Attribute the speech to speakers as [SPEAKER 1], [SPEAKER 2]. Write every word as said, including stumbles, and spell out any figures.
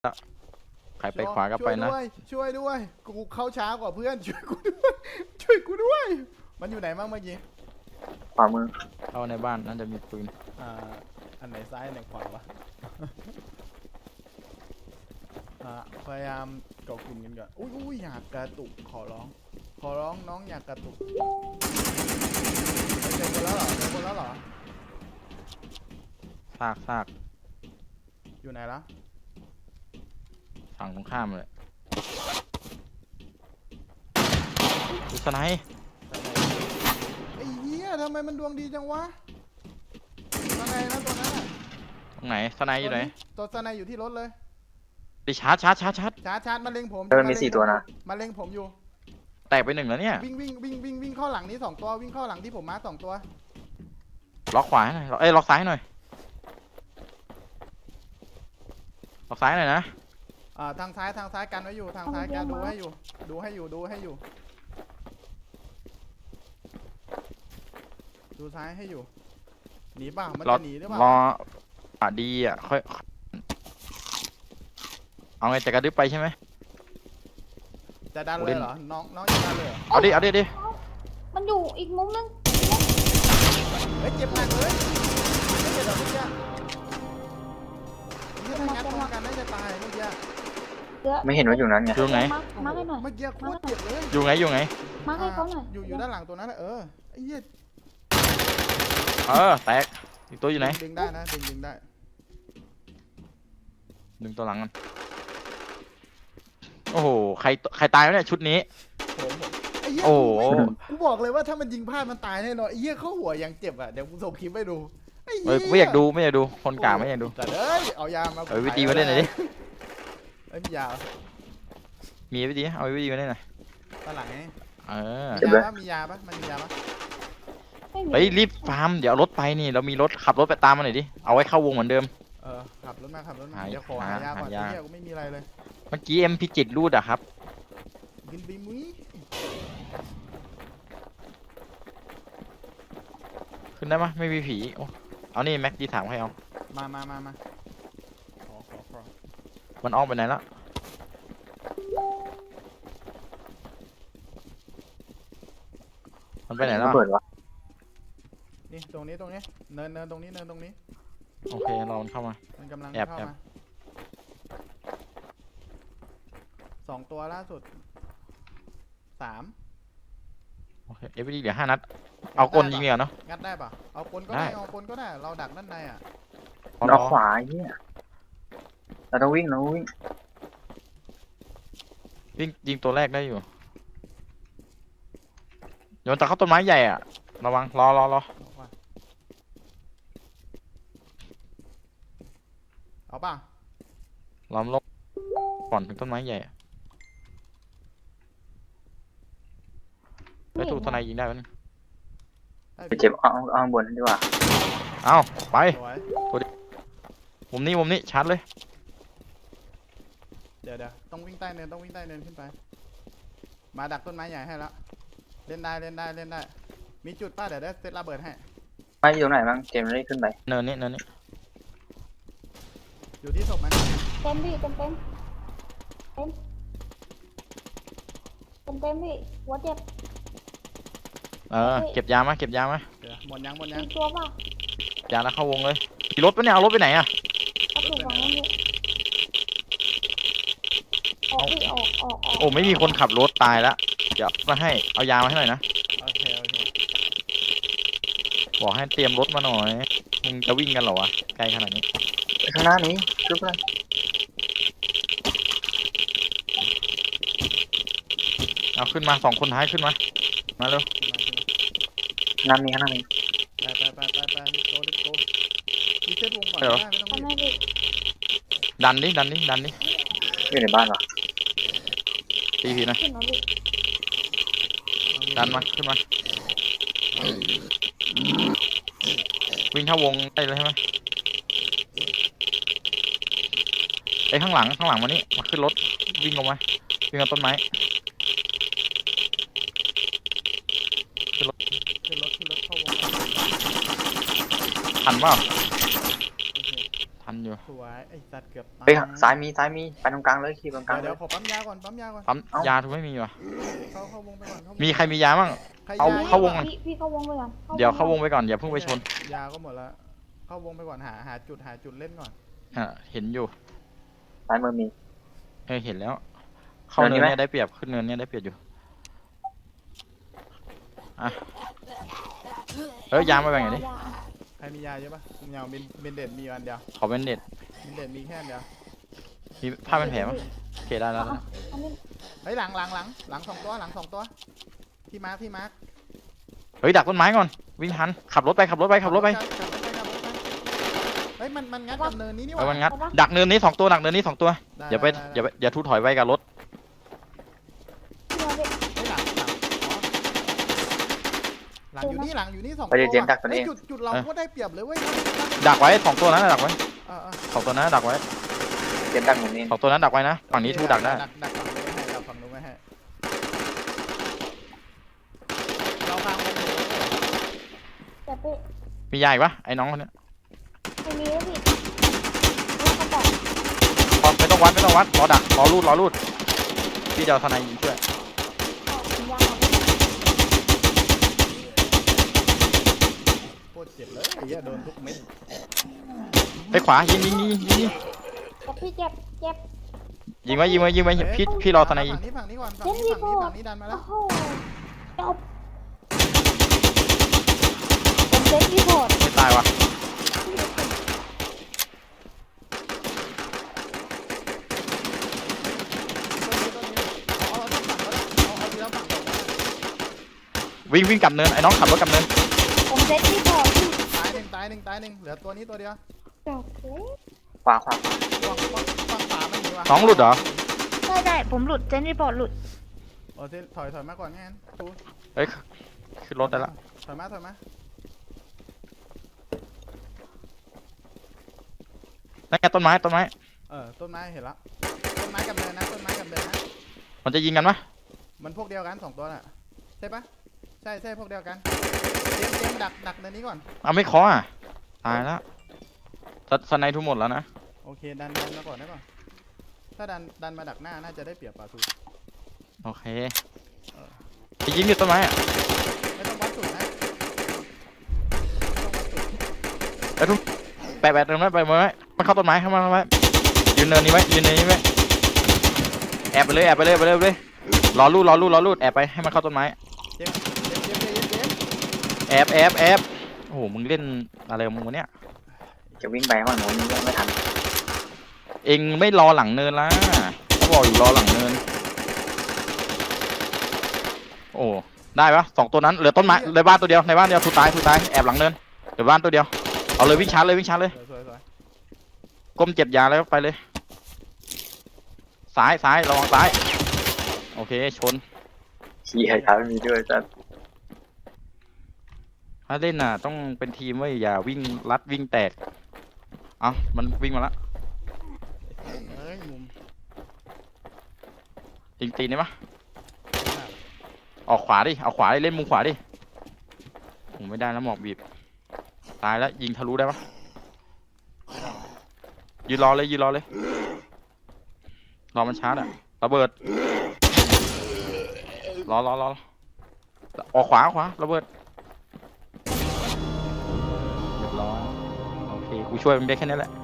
[SPEAKER 1] ใครไปขวาก็ไปนะ
[SPEAKER 2] ช่วยด้วยช่วยด้วยกูเข้าช้ากว่าเพื่อนช่วยกูด้วยช่วยกูด้วย มันอยู่ไหนบ้างเมื่อกี้
[SPEAKER 3] ขวามือ
[SPEAKER 1] เข้าในบ้านน่าจะมีปืน
[SPEAKER 2] อ่าอันไหนซ้ายอันไหนขวาวะ อ่าพยายามเกาะกลุ่มกันก่อนอุ้ยอุ้ยอยากกระตุกขอร้อง ขอร้องน้องอยากกระตุกเจอคนแล้วเหรอเจอคนแล้วเหรอ
[SPEAKER 1] ซากซาก
[SPEAKER 2] อยู่ไหนละ
[SPEAKER 1] ฝั่งตรงข้ามเลยดูสไนป์
[SPEAKER 2] ไอ้เหี้ยทำไมมันดวงดีจังวะตัวไหนนะตัวนั้นอะ
[SPEAKER 1] ตรงไหนสไนป์อยู่ไหน
[SPEAKER 2] ตัวสไนอยู่ที่รถเลย
[SPEAKER 1] ดิชาร์จชาร์จชาร์จชาร์จ
[SPEAKER 2] ชาร์จชาร์จมาเล็งผม
[SPEAKER 3] เออมีสี่ตัวนะ
[SPEAKER 2] มาเล็งผมอยู่
[SPEAKER 1] แตกไปหนึ่งแล้วเนี่ย
[SPEAKER 2] วิ่งวิ่งวิ่งวิ่งวิ่งเข้าหลังนี้สองตัววิ่งเข้าหลังที่ผมมาสองตัว
[SPEAKER 1] ล็อกขวาให้หน่อยเอ้ยล็อกซ้ายให้หน่อยล็อกซ้ายหน่อยนะ
[SPEAKER 2] อ่าทางซ้ายทางซ้ายกันไว้อยู่ทางซ้ายกันดูให้อยู่ ดูให้อยู่ดูให้อยู่ ดูซ้ายให้อยู่หนีป่ะมัน
[SPEAKER 1] รอ
[SPEAKER 2] จะหนีหรือเปล่าร
[SPEAKER 1] ออ่ะดีอ่ะค่อยเอาไงจะกระดึ๊บไปใช่ไหม
[SPEAKER 2] จะดันเลยเหรอน้องน้องจะดันเลยเหรอ
[SPEAKER 1] เอาดิเอาดิเอาดิ
[SPEAKER 4] มันอยู่อีกมุมนึง
[SPEAKER 2] เฮ้ยเจ็บหนักเลยไม่เจ็บหรอกเมื่อกี้นี่ถ้างัดป้องกันน่าจะตายเมื่อกี้
[SPEAKER 4] เยอะ
[SPEAKER 3] ไม่เห็นว่าอยู่นั้นไง
[SPEAKER 1] อยู่ไหน
[SPEAKER 4] มามาให้หน่อย
[SPEAKER 2] เมื่อกี้โคตรเจ็บเลย
[SPEAKER 1] อยู่ไงอยู่ไง
[SPEAKER 4] มาให้เขาหน่อย
[SPEAKER 2] อยู่อยู่ด้านหลังตัวนั้นแหละเออไอ้เหี้ย
[SPEAKER 1] เออแตกอีกตัวอยู่ไหน
[SPEAKER 2] ดึงได้นะดึงดึงได้
[SPEAKER 1] ดึงตัวหลังกันโอ้โหใครใครตายวะเนี่ยชุดนี้
[SPEAKER 2] ผมผมไอ้เหี้ย
[SPEAKER 1] โอ้โห
[SPEAKER 2] กูบอกเลยว่าถ้ามันยิงพลาดมันตายแน่นอนไอ้เหี้ยเข้าหัวยังเจ็บอ่ะเดี๋ยวกูส่งคลิปให้ดูไอ้
[SPEAKER 1] เอ้
[SPEAKER 2] เหี้
[SPEAKER 1] ยไม่อยากดูไม่อยากดูคนกลางไม่อยากดู
[SPEAKER 2] แต่เอ้ยเอายามา
[SPEAKER 1] เอาวิธีมาเล่นหน่อยดิ
[SPEAKER 2] เอ้ยมียา
[SPEAKER 1] มีวิธีเอาวิธีมาเล่นหน่อย
[SPEAKER 2] ตอนหลังไง
[SPEAKER 1] เออ
[SPEAKER 2] มียาปะมียาปะมันมียาปะ
[SPEAKER 4] ไม่มี
[SPEAKER 1] เฮ้ยรีบฟาร์มเดี๋ยวเอารถไปนี่เรามีรถขับรถไปตามมาหน่อยดิเอาไว้เข้าวงเหมือนเดิม
[SPEAKER 2] เออขับรถมาขับรถมา
[SPEAKER 1] หา
[SPEAKER 2] เดี๋ยวขอ
[SPEAKER 1] หา
[SPEAKER 2] หายาก่อน
[SPEAKER 1] หายา
[SPEAKER 2] ไอ้เหี้ยกูไม่มีอะไรเลย
[SPEAKER 1] เมื่อกี้เอ็มพีจิตรูดอะครับ
[SPEAKER 2] กินบีมุ้ย
[SPEAKER 1] ขึ้นได้ไหมยไม่มีผีโอ้เอานี่แม็กดีถามให้เอา
[SPEAKER 2] มามามามาขอขอขอ
[SPEAKER 1] มันออกไปไหนละมันไปไหนแล้ว
[SPEAKER 3] ระเบิดวะ
[SPEAKER 2] นี่ตรงนี้ตรงนี้เนินเนินตรงนี้เนินตรงนี้
[SPEAKER 1] โอเครอมันเข้ามา
[SPEAKER 2] มันกำลัง
[SPEAKER 1] แอบ
[SPEAKER 2] เข้า
[SPEAKER 1] แอบ
[SPEAKER 2] มาสองตัวล่าสุดสาม
[SPEAKER 1] โอเคเอฟวีดีเหลือห้านัดเอากลยิงเหรอเนาะ
[SPEAKER 2] งัดได้ปะเอาคนก็
[SPEAKER 1] ได้
[SPEAKER 2] ได้เอาคนก็ได้เราดักด้านในอ่ะ
[SPEAKER 1] พอ
[SPEAKER 3] เรา
[SPEAKER 1] รอ
[SPEAKER 3] ขวาไอ้เหี้ยเราต้องวิ่งเราต้องวิ่ง
[SPEAKER 1] วิ่งยิงตัวแรกได้อยู่โยนแต่เข้าต้นไม้ใหญ่อะระวังรอรอรอ
[SPEAKER 2] เอาป่ะเอาป่ะ
[SPEAKER 1] ล้อมลบก่อนถึงต้นไม้ใหญ่อะไปถูกทนายยิงได้ไหมย
[SPEAKER 2] ให้
[SPEAKER 3] ไปเจ็บเอาเอาเอาข้างบนนั่นดีกว่า
[SPEAKER 1] เอาไป
[SPEAKER 2] สวย
[SPEAKER 1] มุมนี้มุมนี้ชัดเลย
[SPEAKER 2] เดี๋ยวเดี๋ยวต้องวิ่งใต้เนินต้องวิ่งใต้เนินขึ้นไป มาดักต้นไม้ใหญ่ให้ละเล่นได้เล่นได้เล่นได้ มีจุดป้าเดี๋ยวได้เซตระเบิดให้
[SPEAKER 3] ไม่อยู่ไหนบ้างเกมได้ขึ้นไป
[SPEAKER 1] เนินนี้เนินนี้
[SPEAKER 2] อยู่ที่ศพมัน
[SPEAKER 4] เต็มพี่เต็มเต็มเต็มเต็มเต็มพี่หัวเจ็บ
[SPEAKER 1] เออเก็บยามาเก็บยามา
[SPEAKER 2] เดี๋ยวหมดยังหมดยั
[SPEAKER 4] มี
[SPEAKER 2] ง
[SPEAKER 4] ตัวป่ะ
[SPEAKER 1] ยาแล้วเข้าวงเลยขี่รถปะเนี่ยเอารถไปไหนอะ
[SPEAKER 4] เอาถูกฝั่งนั้นเลยออกพี่ออกออกออก
[SPEAKER 1] โอ้ไม่มีคนขับรถตายแล้วเดี๋ยวมาให้เอายามาให้หน่อยนะ
[SPEAKER 2] โอเคโอเค
[SPEAKER 1] บอกให้เตรียมรถมาหน่อยมึงจะวิ่งกันเหรอวะไกลขนาดนี้
[SPEAKER 3] ไปข้างหน้านี้ชุบเลย
[SPEAKER 1] เอาขึ้นมาสองคนท้ายขึ้นมามาเร็ว
[SPEAKER 2] ขึ้นมาขึ้นมา
[SPEAKER 3] น้ำนี้ข้างหน้านี้
[SPEAKER 2] ไปไปไปไปไปโกดิโกมีเซตวงก่อนได้ไม่ต้อง
[SPEAKER 4] ทำ
[SPEAKER 2] รีบ
[SPEAKER 4] ไมพี่
[SPEAKER 1] ดันดิดันดิดันดิ
[SPEAKER 3] อยู่ในบ้านวะ
[SPEAKER 1] ตีผีหนะ
[SPEAKER 4] ขึ้นมาพี่
[SPEAKER 1] ดันมาขึ้นมาวิ่งเข้าวงได้เลยใช่ไหมไอ้ยข้างหลังข้างหลังมานี่มาขึ้นรถวิ่งลงมาวิ่งเอาต้นไม้
[SPEAKER 2] ขึ้นรถขึ้นรถเข้าวงก่อน
[SPEAKER 1] ทันเปล่า
[SPEAKER 2] โอเค
[SPEAKER 1] ทันทันอยู่
[SPEAKER 2] สวยไอ้สัตว์เกือบตาย
[SPEAKER 3] เฮ้ยซ้ายมีซ้ายมีไปตรงกลางเลยขี่ตรงกลางเล
[SPEAKER 2] เดี๋ย
[SPEAKER 3] ยว
[SPEAKER 2] ขอปั๊มยาก่อนปั๊มยาก่อน
[SPEAKER 1] ปั๊ม
[SPEAKER 3] เอ้า
[SPEAKER 1] ยาถูกไม่มีวะ
[SPEAKER 2] เข้าเข้าวงไปก่อนเข้าวง
[SPEAKER 1] มีใครมียาบ้าง
[SPEAKER 2] ใคร
[SPEAKER 1] เอา
[SPEAKER 2] ย
[SPEAKER 1] เข้าวง
[SPEAKER 2] อะ
[SPEAKER 4] พี่พี่เข้าวงไปก่อน
[SPEAKER 1] เดี๋ยวเข้าวงไปก่อนอย่าเพิ่งไปชน
[SPEAKER 2] ยาก็หมดแล้วเข้าวงไปก่อนหาหาจุดหาจุดเล่นก่อน
[SPEAKER 1] อ่ะเห็นอยู่
[SPEAKER 3] ซ้ายมือมี
[SPEAKER 1] เออเห็นแล้ว เข้า
[SPEAKER 3] เนิ
[SPEAKER 1] เนิ
[SPEAKER 3] น
[SPEAKER 1] น
[SPEAKER 3] นี้ไหม
[SPEAKER 1] เนี่ยได้เปรียบขึ้นเนินเนี่ยได้เปรียบอยู่อ่ะเอ้ยยามาแบ่งหน่อยดิ
[SPEAKER 2] ใครมียาเยอะปะผมยาวเบนเบนเด็ดมีอยู่อันเดียว
[SPEAKER 1] ขอเป็นเด็ด
[SPEAKER 2] เบนเด็ดมีแค่อันเดียว
[SPEAKER 1] มีผ้าเป็นแผลมั้ยโอเคได้แล้วนะ
[SPEAKER 4] อันนี้
[SPEAKER 2] เฮ้ยหลังหลังหลังหลังสองตัวหลังสองตัวที่มาร์คที่มาร์ค
[SPEAKER 1] เฮ้ยดักต้นไม้ก่อนวิ่งทันขับรถไปขับรถไปขับรถไป
[SPEAKER 2] ขับรถไปขับรถไปเฮ้ยมันมันงัดกับเนินนี้นี่ห
[SPEAKER 1] เออ
[SPEAKER 2] ว่า
[SPEAKER 1] มันงัดดักเนินนี้สองตัวดักเนินนี้สองตัว
[SPEAKER 2] ด้
[SPEAKER 1] อย่าไป
[SPEAKER 2] ด้
[SPEAKER 1] อย่าไปอย่าทุถอยไว้กับรถ
[SPEAKER 4] พี่มาพี่
[SPEAKER 2] เฮ้ยหลังหลังอ๋อหลังอยู่นี่หลังอยู่นี่สอง
[SPEAKER 3] ไปเดี๋ยวเจมส์ดักตัว
[SPEAKER 2] เฮ้
[SPEAKER 3] เอย ง
[SPEAKER 2] จุดจุดเราก็ได้เปรียบเลยเว้ย
[SPEAKER 1] ดักไว้สองตัวนั้นนะดักไว้
[SPEAKER 2] เออเออ
[SPEAKER 1] สองตัวนั้นนะดักไว้
[SPEAKER 3] เจมส์ดักหมุนนี่
[SPEAKER 1] สองตัวนั้นดักไว้นะฝั่งนี้ทูดักได้
[SPEAKER 2] ดักดักฝั่งนู้นไม่ให้ดักฝั่งนู้นไม่ให้เราฟังวงอยู่
[SPEAKER 4] แต่พี่
[SPEAKER 1] มียาอีกปะไอ้น้องคนเนี้ย
[SPEAKER 4] ไม่มีแล้วพี่แล้วก็บอก
[SPEAKER 1] พอไม่ต้องวัดไม่ต้องวัดรอดักรอรูดรอรูดพี่จะเอาทนายยิงช่วย
[SPEAKER 4] เอาสัญญาณมาพี่
[SPEAKER 2] โคตรเจ็บเลยไอ้เหี้ยโดนทุกเม็ด
[SPEAKER 1] ไปขวายิงยิงยิงยิงยิง
[SPEAKER 4] แต่พี่เจ็บเจ็บ
[SPEAKER 1] ยิงไว้ยิงไว้ยิงไว้พี่พี่รอทนายยิง
[SPEAKER 2] ฝั่งนี้ฝั่งนี้ก่อนฝั่งนี้ฝั่งนี้ฝั่งนี้ดันมาแล้
[SPEAKER 4] โอ้
[SPEAKER 2] ว
[SPEAKER 4] โหจบผมเซ็ตรีพอร์ต
[SPEAKER 1] ไม่ตายวะ
[SPEAKER 2] ต้นนี้ต้นนี้เอาเอาเอาฝั่งก็ได้เอาเอาทีละฝั่งก่อนก็ได้
[SPEAKER 1] วิ่งวิ่งกลับเนินไอ้น้องขับรถกลับเนิน
[SPEAKER 4] ผมเซ็ตรีพอร์ตพี่
[SPEAKER 2] ตายหนึ่งตายหนึ่งตายหนึ่งเหลือตัวนี้ตัวเดียว
[SPEAKER 4] จบเลย
[SPEAKER 3] ขวาขวา
[SPEAKER 2] ฝั่งฝั่งฝั่งขวาไม่มีว่ะ
[SPEAKER 1] น้องหลุดเหรอ
[SPEAKER 4] ใช่ได้ผมหลุดเซ็ตรีพอร์ตหลุด
[SPEAKER 2] โอ้เจถอยถอยมาก่อนงั้นตู
[SPEAKER 1] เฮ้ยขึ้นรถได้ละ
[SPEAKER 2] ถอยมาถอยมา
[SPEAKER 1] นั่นไงต้นไม้ต้นไม้
[SPEAKER 2] เออต้นไม้เห็นละต้นไม้กับเนินนะต้นไม้กับเนินนะ
[SPEAKER 1] มันจะยิงกันปะ
[SPEAKER 2] มันพวกเดียวกันสองตัวน่ะใช่ปะใช่ใช่พวกเดียวกันเจมส์เจมส์ดักดักเนินนี้ก่อน
[SPEAKER 1] เอาไม่เคาะอ่ะตายแล้วสสไนทุกหมดแล้วนะ
[SPEAKER 2] โอเคดันดันมาก่อนได้ป่ะถ้าดันดันมาดักหน้าน่าจะได้เปรียบป่าทู
[SPEAKER 1] โอเคไปยิงอยู่ต้นไม้อะ
[SPEAKER 2] ไม่ต้องวัดสุดนะไม่ต้องวัดสุด
[SPEAKER 1] ไอ้ทุ่มแปะแปะตรงนั้นไปไว้มันเข้าต้นไม้เข้ามาเข้ามายืนเนินนี้ไว้ยืนเนินนี้ไว้แอบไปเลยแอบไปเลยไปเลยไปเลยรอรูดรอรูดรอรูดแอบไปให้มันเข้าต้นไม้
[SPEAKER 2] เจมส์เจมส์เจมส์เจมส์เจมส์
[SPEAKER 1] แอบแอบแอบโอ้โหมึงเล่นอะไรของมึงวะเนี่ย
[SPEAKER 3] จะวิ่งไปฝั่งโน้นยังไม่ทัน
[SPEAKER 1] เองไม่รอหลังเนินละเขาบอกอยู่รอหลังเนินโอ้ได้ปะสองตัวนั้นเหลือต้นไม้ในบ้านตัวเดียวในบ้านเดียวถูกตายถูกตายแอบหลังเนินเหลือบ้านตัวเดียวเอาเลยวิ่งชาร์จเลยวิ่งชาร์จเลย
[SPEAKER 2] สวยสวยสวย
[SPEAKER 1] ก้มเจ็บยาแล้วไปเลยซ้ายซ้ายระวังซ้ายโอเคชน
[SPEAKER 3] ขี่ไอ้ท้ามีด้วยจ้ะ
[SPEAKER 1] ถ้าเล่นน่ะต้องเป็นทีมไว้ยอย่าวิ่งลัดวิ่งแตกเอามันวิ่งมาละ
[SPEAKER 2] เอ้ยมุม
[SPEAKER 1] จริงตีนได้ปะออกขวาดิเอาขวาดิเล่นมุมขวาดิผมไม่ได้แล้วหมอกบีบตายแล้วยิงทะลุได้ปะยืนรอเลยยืนรอเลยรอมันชาร์จอะระเบิดรอรอรอออกขวาขวาระเบิดเรียบร้อยโอเคกูช่วยมึงได้แค่นี้แหละ